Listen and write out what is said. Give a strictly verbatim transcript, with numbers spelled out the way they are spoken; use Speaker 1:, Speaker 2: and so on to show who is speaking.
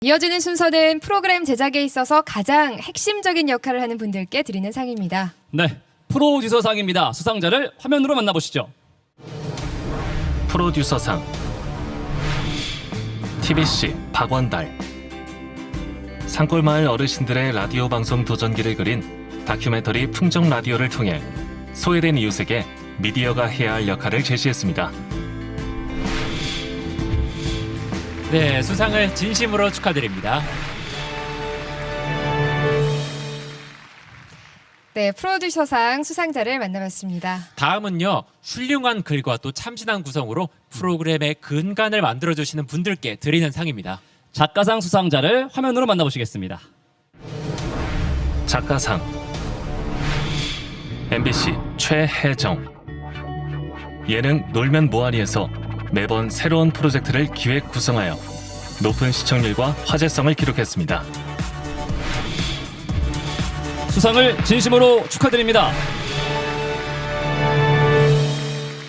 Speaker 1: 이어지는 순서는 프로그램 제작에 있어서 가장 핵심적인 역할을 하는 분들께 드리는 상입니다.
Speaker 2: 네, 프로듀서상입니다. 수상자를 화면으로 만나보시죠.
Speaker 3: 프로듀서상 티비씨 박원달. 산골마을 어르신들의 라디오 방송 도전기를 그린 다큐멘터리 풍정 라디오를 통해 소외된 이웃에게 미디어가 해야 할 역할을 제시했습니다.
Speaker 4: 네, 수상을 진심으로 축하드립니다.
Speaker 1: 네, 프로듀서상 수상자를 만나봤습니다.
Speaker 4: 다음은요, 훌륭한 글과 또 참신한 구성으로 프로그램의 근간을 만들어주시는 분들께 드리는 상입니다.
Speaker 2: 작가상 수상자를 화면으로 만나보시겠습니다.
Speaker 3: 작가상 엠비씨 최혜정. 예능 놀면 뭐하니에서 매번 새로운 프로젝트를 기획 구성하여 높은 시청률과 화제성을 기록했습니다.
Speaker 2: 수상을 진심으로 축하드립니다.